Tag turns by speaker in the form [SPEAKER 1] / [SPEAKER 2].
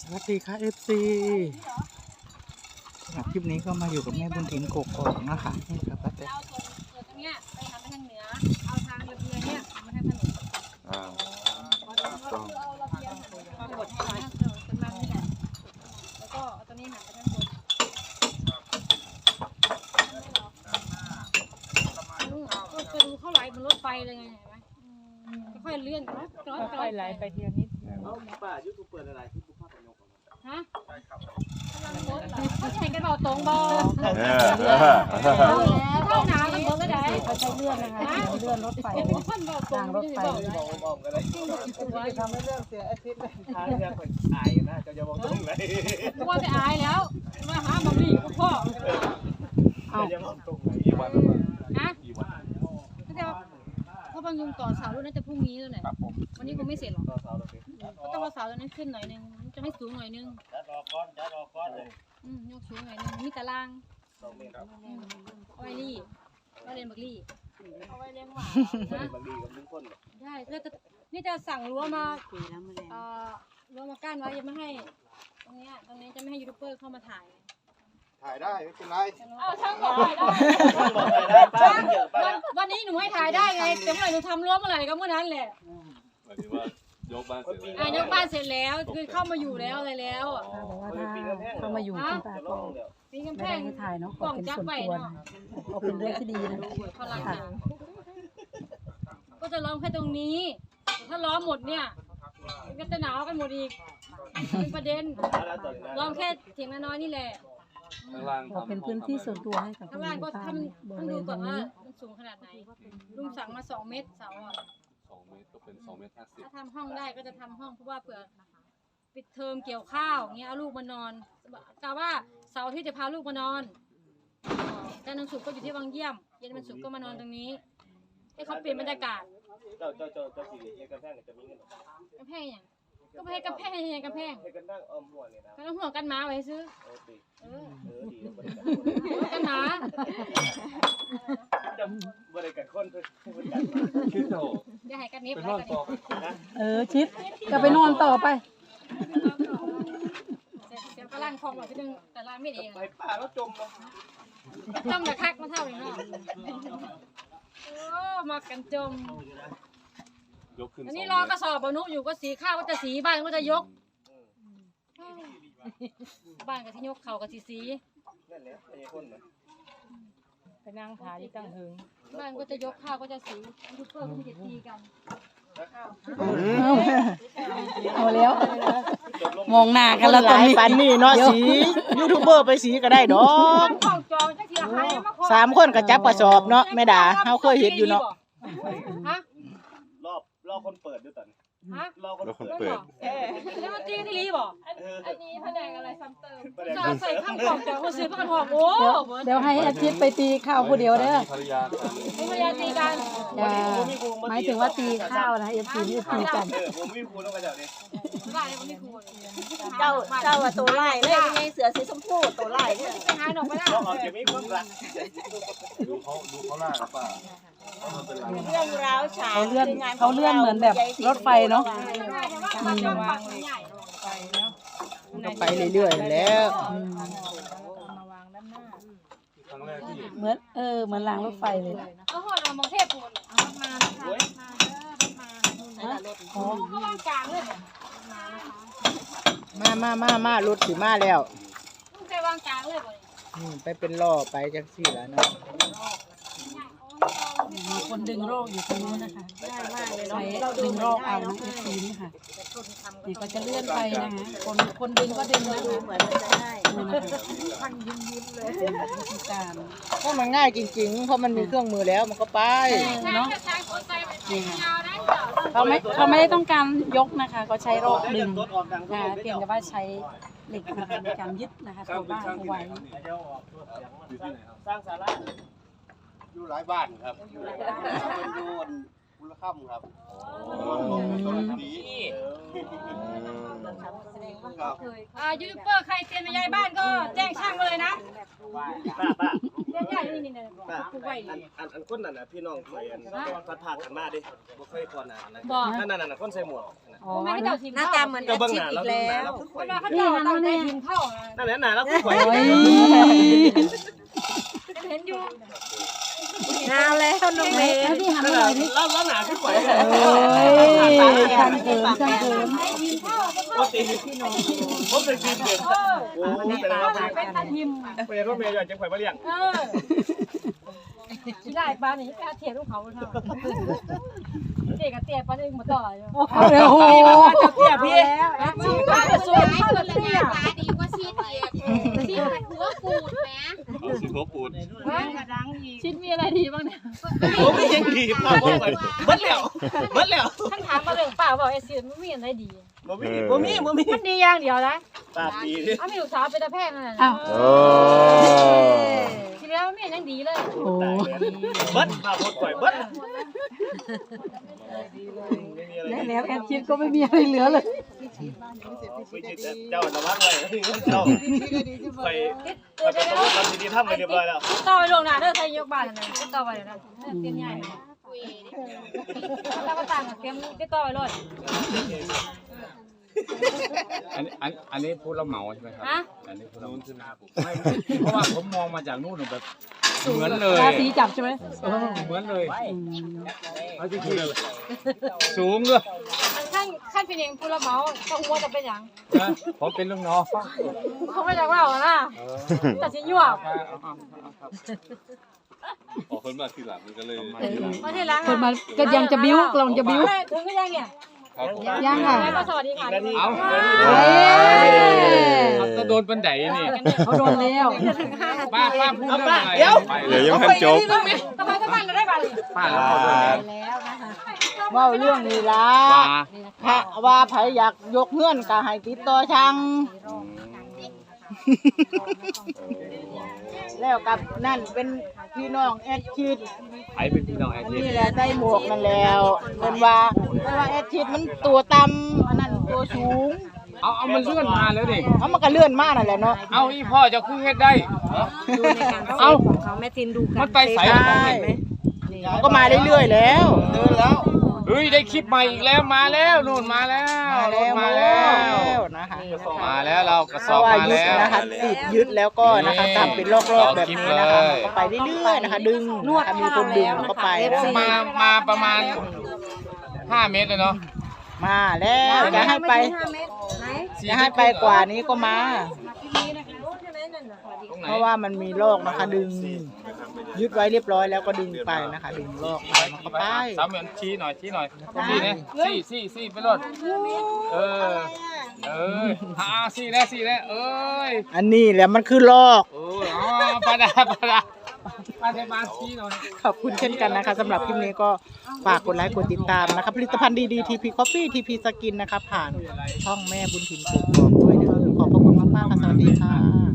[SPEAKER 1] สวัสดีค่ะFC สำหรับคลิปนี้ก็มาอยู่กับแม่บุญถิ่นกกอกนะคะนี่ครับป้าแตน
[SPEAKER 2] เอาส่วนตรงเนี้ยไปทำไปทางเหนือ เอาทางระเบียงเนี่ยทำมาทางถนน
[SPEAKER 3] ต้อง
[SPEAKER 2] เอาระเบียงมาบดให้ร้อยถนนเป็นมันนี่แหละแล้วก็เอาตัวนี้หันไปทางบนก็ดูเข้าไหลบนรถไฟเลยไงเห็นไหมค่อยๆเลื่อนกันค่อยๆไหลไปทีละนิด
[SPEAKER 4] เอาป้ายูทูบเปิดอะไรที่ผู้ภาคประโยค
[SPEAKER 2] ฮะกำลังรถเหรอเขาแข่งกันเบาตรงบอเข้าหนากันเบอร์ก็ได้เขาใช้เลื่อนนะคะเลื่อนรถไฟเป็นขั้นเบาตรงรถไฟ
[SPEAKER 4] บอกกันเลยทำให้เรื่องเสียอาทิตย์เลยทางเรื่องคนอายนะจะมองตรงไหน
[SPEAKER 2] กลัวจะอายแล้วมาหาบะหมี่กับพ่อ
[SPEAKER 4] จะมองตรงไหนกี่วัน
[SPEAKER 2] ฮะก็จะเพราะบางยุงต่อเสาด้วยน่าจะพรุ่งนี้แล้วเนี่ยวันนี้คงไม่เสร็จหรอก
[SPEAKER 4] ต่อสาวเราสิ
[SPEAKER 2] ก็ต้องเอาเสาตัวนั้นขึ้นหน่อยนึงจะให้สูงหน่อยนึง
[SPEAKER 4] จะรอก้อนเลย
[SPEAKER 2] ยกสูงหน่อยนึงมีตาราง
[SPEAKER 4] 2 เมตรครับ
[SPEAKER 2] เอาไว้รี่เอาเรียนบักรี่เอาไว้เลี้ยงหมานะ
[SPEAKER 4] บางทีกับลุงพล
[SPEAKER 2] ได้ก็จะนี่จะสั่งรั้วมารั้วมากั้นไว้ยังไม่ให้ตรงนี้จะไม่ให้ยูทูบเบอร์เข้ามาถ่าย
[SPEAKER 3] ถ่ายได้ไม่เป็นไร
[SPEAKER 2] อ้าวช่างบอกได้
[SPEAKER 4] บอกได้ป้าเยอะป้า
[SPEAKER 2] วันนี้หนูให้ถ่ายได้ไงแต่เมื่อไหร่หนูทำรั้วเมื่อไหร่ก็เมื่อนั้นแหละ
[SPEAKER 5] หมายถึงว่ายกบ้านเสร็จแล้ว
[SPEAKER 2] ยกบ้านเสร็จแล้วคือเข้ามาอยู่แล้วอะไรแล้ว
[SPEAKER 6] บอกว่าถ้าเข้ามาอยู่คุณป้าก็
[SPEAKER 2] ปีกำ
[SPEAKER 6] ไม่
[SPEAKER 2] แพ
[SPEAKER 6] ได้
[SPEAKER 2] ง
[SPEAKER 6] ให้ถ่ายเนาะข
[SPEAKER 2] กล่
[SPEAKER 6] อ
[SPEAKER 2] อง
[SPEAKER 6] เป็น
[SPEAKER 2] จับ
[SPEAKER 6] ส่วน
[SPEAKER 2] ไว้
[SPEAKER 6] ตัว
[SPEAKER 2] เนาะ
[SPEAKER 6] นะเอาเป็นเรื่องที่ดีนะ
[SPEAKER 2] พลังงานก็จะล้อมแค่ตรงนี้ ถ้าล้อมหมดเนี่ยมันก็จะหนาวกันหมดอีกเป็นประเด็นล้อมแค่เถียงน้อยๆนี่แหละ
[SPEAKER 5] ข้างล่าง
[SPEAKER 6] ขอเป็นพื้นที่ส่วนตัวให้กับ
[SPEAKER 2] ข้างล่างก็
[SPEAKER 6] คุณป้า
[SPEAKER 2] ทำ
[SPEAKER 6] บ
[SPEAKER 2] ต้อ
[SPEAKER 6] ริ
[SPEAKER 2] ง
[SPEAKER 6] เว
[SPEAKER 2] ดู
[SPEAKER 6] ณต
[SPEAKER 2] ก่
[SPEAKER 6] ร
[SPEAKER 2] อน
[SPEAKER 6] ง
[SPEAKER 2] ว่า
[SPEAKER 6] นี้
[SPEAKER 2] มันสูงขนาดไหนลุงสั่งมา2 เมตรเสาอ่ะ
[SPEAKER 5] 2 เมตรก็เป็น2 เมตร 50
[SPEAKER 2] ถ้าทำห้องได้ก็จะทำห้องเพราะว่าเผื่อปิดเทอมเกี่ยวข้าวเงี้ยเอาลูกมานอนกะว่าเสาร์ที่จะพาลูกมานอนจันทร์ถึงศุกร์ก็อยู่ที่วังเยี่ยมเย็นวันศุกร์ก็มานอนตรงนี้ให้เขาเปลี่ยนบรรยากาศ
[SPEAKER 4] เจ้าสีเอกกระแพงจะมีเงิน
[SPEAKER 2] กำแพงอย่างก็ไม่ให้กำแพงยังกำแพง
[SPEAKER 4] ให้กันนั่งอ้อมหัวเนี่ยนะ
[SPEAKER 2] ก็ต้องห่วงกันหมาไว้ซื้อ
[SPEAKER 4] ติ
[SPEAKER 2] เออ
[SPEAKER 4] ดีบริการ
[SPEAKER 2] ห่วงกันหมา
[SPEAKER 4] จะบริการคนเพื่อบริการมา
[SPEAKER 5] คิดโต
[SPEAKER 2] อย่าให้กันเน็บ
[SPEAKER 5] เป็น
[SPEAKER 2] ไว้
[SPEAKER 5] ร่อน
[SPEAKER 2] กัน
[SPEAKER 5] ต่อ
[SPEAKER 4] นะ
[SPEAKER 6] ชิดก็ไปนอนต่อไป
[SPEAKER 2] เดี๋ยวก็ล่างคลองแบบที่นึงแต่ล่างไม่เอง
[SPEAKER 4] ไปป่าแล้วจมเนาะ
[SPEAKER 2] จมแต่คักมาเท่านี้เนาะโอ้มากันจม
[SPEAKER 5] ยกขึ้น
[SPEAKER 2] อันนี้รอกระสอบบรรนุอยู่ก็สีข้าวก็จะสีบ้านก็จะยกบ้านก็ที่ยกเขาก็สี
[SPEAKER 4] นั่นแหละไอ้คนนะ
[SPEAKER 2] ไปนั่งขายที่ตั้งหึงบ้านก็จะยกข้าวก็จะสียูทูบเบอร์ก็จะตีกัน
[SPEAKER 6] เอาแล้ว
[SPEAKER 4] จบลง
[SPEAKER 6] มองหน้ากันแล้วตอนนี้
[SPEAKER 1] ปันนี่เนาะสียูทูบเบอร์ไปสีก็ได้ดอก
[SPEAKER 2] ของจองจักเสียใครมาขอ
[SPEAKER 1] 3 คนก็จับกระสอบเนาะแม่ดาเฮาเคยเห็นอยู่เนาะ
[SPEAKER 2] ฮะ
[SPEAKER 4] รอคนเปิดด้วยตอน
[SPEAKER 2] ฮะ
[SPEAKER 4] รอคน
[SPEAKER 5] แล้วคน
[SPEAKER 4] เปิด
[SPEAKER 5] เปิด
[SPEAKER 2] แล้วมันตีที่รีบ่
[SPEAKER 4] อันนี้แผนกอะไรซ้ำเติม
[SPEAKER 2] จะใส่ข้างของจองก็ซื้อประกันหอกโอ้
[SPEAKER 6] เดี๋ยวให้อาทิตย์ไปตีข้าวผู้เดียวเด้อ
[SPEAKER 5] ภรรยา
[SPEAKER 2] ไม่พยายามตีกัน
[SPEAKER 6] อย่าหมายถึงว่าตีข้าวนะFCนี่ตีกัน
[SPEAKER 4] ผมมีครูต้องกระเจ้าดิ
[SPEAKER 2] บ้านเนี่ยมันไม่ควร
[SPEAKER 7] เจ้าว่าตัวไล่เลยยังไงเสือสีชมพูตัวไล่เนี่ย
[SPEAKER 2] ไปหาหนอกไปได้
[SPEAKER 4] เราออกจะมีความรัก
[SPEAKER 5] ดูเขาล่าครับป้ามันเป็นไร
[SPEAKER 7] เรื่องราวฉาก
[SPEAKER 6] เขาเลื่อนเหมือนแบบรถไฟเนาะ
[SPEAKER 2] มันจองฝั่งใหญ่
[SPEAKER 1] ก็ไปเรื่อยๆแล้ว
[SPEAKER 5] ครั้งแรกที่เห็น
[SPEAKER 6] เหมือนเหมือนรางรถไฟเลย
[SPEAKER 2] เอาหอดเอามองเทพปูนมา
[SPEAKER 4] โอ้ย
[SPEAKER 2] เขาวางกลางเลย
[SPEAKER 1] มารถสิมาแล้ว
[SPEAKER 2] ลูกใจวางกลางเลยบ่
[SPEAKER 1] ไปเป็นล่อไปจังซี่ล่ะเนาะ
[SPEAKER 6] มีคนดึงโรคอยู่ตรงนู้นนะคะใช้ดึงโรคเอานะFCนี่ค่ะนี่ก็จะเลื่อนไปนะคะคนดึงก็ดึงนะคะ
[SPEAKER 7] เหมือนมันจะได้
[SPEAKER 6] นี่นะคะวิธีการ
[SPEAKER 1] เพราะมันง่ายจริงๆ เพราะมันมีเครื่องมือแล้วมันก็ไป
[SPEAKER 2] เนาะใช้คนใจไปยาวได้
[SPEAKER 6] เขาไม่ได้ต้องการยกนะคะเขาใช้โรคดึง
[SPEAKER 4] รถออกดัง
[SPEAKER 6] นะคะเพียงแต่ว่าใช้เหล็กนะคะในการยึดนะคะตัวบ้านเอาไว้
[SPEAKER 5] อยู่ที่ไหนครับ
[SPEAKER 4] สร้างศาลา
[SPEAKER 3] อยู่หลายบ้านครับเป็นยูนคุณค่ำครับดี
[SPEAKER 2] ยูทูบเบอร์ใครเตียนมาย้ายบ้านก็แจ้งช่างมาเลยนะ
[SPEAKER 4] ป้า
[SPEAKER 2] เตียนย้ายนี่เนี่ยปลูกไว้
[SPEAKER 4] อันคนนั้นน่ะพี่น้องข่อยอันพัดพากันมาดิบ่เคยก่อนหน้านะ
[SPEAKER 2] บ่
[SPEAKER 4] นั่นคนใส่หมวก
[SPEAKER 2] ผมไม่ให้เจ้าทีม
[SPEAKER 7] หน้าตาเหมือนแอดชิดอีกแล้ว
[SPEAKER 2] เวลาเขาเจ้าตั้งใจทีมเข้า
[SPEAKER 4] นั่นแหละน่ะแล้วข่อย
[SPEAKER 2] เห็นอยู่
[SPEAKER 7] นาวแล้วน้องเมย์
[SPEAKER 6] แล้วที่หันมาหน่อยดิ
[SPEAKER 4] แล้วหนาขึ้นข่อย
[SPEAKER 6] ช่างเกินช่างเกิน
[SPEAKER 2] ทีมเข้า
[SPEAKER 4] บ่ตีผมเป็นทีมเด่นโอ้แต่ละ
[SPEAKER 2] เป็นทีม
[SPEAKER 4] เป็นรถเมย์อยากจะข่อยมาเลี้ยง
[SPEAKER 2] ขี้ได้ปลาเนี่ยกล้าเทียบลูกเขาเท่าเจ๊กับเตี้ยปลาเองมาต่ออยู่
[SPEAKER 6] โอ้โห
[SPEAKER 2] เตี้ยพี่ชีปลาจะสวยเข้ากับเตี้ย
[SPEAKER 8] ดีกว่าชีดอีกชีดมันหัวปูดแหม
[SPEAKER 5] เอาสิหัวปูด
[SPEAKER 6] ชิ้นมีอะไรดีบ้างเนี่ย
[SPEAKER 4] ผมไม่ยังดีพ่อผมไปเบิดแล้ว
[SPEAKER 2] ท่านถามมาเรื่องป่าบอกไอ้เสียมันมีอะไรดี
[SPEAKER 4] บ่มี
[SPEAKER 2] มันดีอย่างเดียวนะ
[SPEAKER 4] ตาปีดิ
[SPEAKER 2] อ้ามีลูกสาวเป็นตาแพงนั่นแหละ
[SPEAKER 6] อ้าว
[SPEAKER 5] โอ้
[SPEAKER 2] ทีแล้วไม่ยังดีเลย
[SPEAKER 6] โอ้
[SPEAKER 4] เบิดพาพดข่อยเบิดไม่มีอะไร
[SPEAKER 6] แล้วแอดชิดก็ไม่มีอะไรเหลือเลย
[SPEAKER 4] คุยจิตเจ้าระวังเลยเจ้าไปไปประสบความดีทำไปเรียบร้อยแล้ว
[SPEAKER 2] ต่อไปลงหน้าเด้อใครยกบ้านนั่นต่อไปนะเตรียมใหญ่ถ้าก็ต่างกับเตรียมติดต่อไปเลย
[SPEAKER 9] อันนี้พูดแล้วเหมาใช่ไหมครับ
[SPEAKER 2] ฮะ
[SPEAKER 9] อันนี้พูดแล้วไม่เพราะว่าผมมองมาจากนู่นแบบเหมือนเลย
[SPEAKER 6] ราศีจับใช่ไหม
[SPEAKER 9] เหมือนเลยเอาจริงๆสูงเลย
[SPEAKER 2] ขั้นเป็นเองผู้รับเหมาต้องหัวจะเป็นอย่าง
[SPEAKER 9] นะผมเป็นลูกน้อง
[SPEAKER 2] เขาไม่จากเรานะแต่ชิ้นยั่ว
[SPEAKER 5] ออกคนมาทีหลังมันก็เลย
[SPEAKER 2] มาที่ร้าน
[SPEAKER 6] คนมาก็ยังจะบิ้วกำลังจะบิ้ว
[SPEAKER 2] ถึงก็ยังเนี่ย
[SPEAKER 5] ครับผม
[SPEAKER 6] ยังค่ะ
[SPEAKER 2] สวัสดีค่ะ
[SPEAKER 9] เอา
[SPEAKER 6] เอ้ย
[SPEAKER 9] เอาจะโดนบันไดนี่
[SPEAKER 6] เขาโดนแล้ว
[SPEAKER 9] ป้าพูดเรื่องอะไร
[SPEAKER 5] เดี๋ยวยังไม่จบ
[SPEAKER 2] ทำไมก็มันได้บ้าง
[SPEAKER 9] ป้าแล้วเขาโดนแล้ว
[SPEAKER 10] ว่าเรื่องนี้ล่ะ
[SPEAKER 9] ป้า
[SPEAKER 10] ว่าไผอยากยกเงื่อนก็ให้ติดต่อช่างแล้วกับนั่นเป็นพี่น้องแอดชิด
[SPEAKER 9] ไอ้เป็นพี่น้องไอ้ที
[SPEAKER 10] นี่แหละได้หมวกนั่นแล้วเป็นว่าแอดชิดมันตัวต่ำอันนั้นตัวสูง
[SPEAKER 9] เอามันเลื่อนมาแล้วดิ
[SPEAKER 10] เอามันก็เลื่อนมากนั่นแหละเนาะ
[SPEAKER 9] เอาอีพ่อจะคือเฮ็ดได้
[SPEAKER 7] ดูในการ
[SPEAKER 9] เอา
[SPEAKER 7] ของเขาแม่ทินดูกั
[SPEAKER 9] มันไปใส่
[SPEAKER 10] มันก็มาเรื่อยๆแล้วเดินแล้ว
[SPEAKER 9] เฮ้ยได้คลิปใหม่อีกแล้วมาแล้วนู่นมาแล้วมาแล้ว
[SPEAKER 10] นะคะ
[SPEAKER 9] มาแล้วเรากระส
[SPEAKER 10] เพ
[SPEAKER 9] อบ
[SPEAKER 10] ราะว่า
[SPEAKER 9] มา
[SPEAKER 10] ยึด
[SPEAKER 9] แล้ว
[SPEAKER 10] นะคะติดยึดแล้วก็นะคะทำเป็นรอบๆแบบนี้นะคะ
[SPEAKER 9] เลย
[SPEAKER 10] ก็ไปเรื่อยๆนะคะ ดึงนะคะมีคนดึงก็ไปนะ
[SPEAKER 9] มาประมาณ5 เมตรเลยเนาะ
[SPEAKER 10] มาแล้วจะให้ไปจะให้ไปกว่านี้ก็มา
[SPEAKER 9] ตรงไหน
[SPEAKER 10] เพราะว่ามันมีลอกนะคะดึงยึดไว้เรียบร้อยแล้วก็ดึงไปนะคะ ดึงลอกไปมันก็ไป
[SPEAKER 9] สามเหมือนชี้หน่อยชี้นะชี้ไปรถเออชี้แล้วเอ้ย
[SPEAKER 10] อันนี้แหละมันคือลอก
[SPEAKER 9] โอ้ยอ๋อปาดาป้าเทบานชี้หน่อย
[SPEAKER 10] ขอบคุณเช่นกันนะคะสำหรับคลิปนี้ก็ฝากกดไลค์กดติดตามนะคะผลิตภัณฑ์ดีๆ TP Coffee TP Skin นะคะผ่านช่องแม่บุญถิ่นกกอกด้วยนะขอบพระคุณมากๆค่ะสวัสดีค่ะ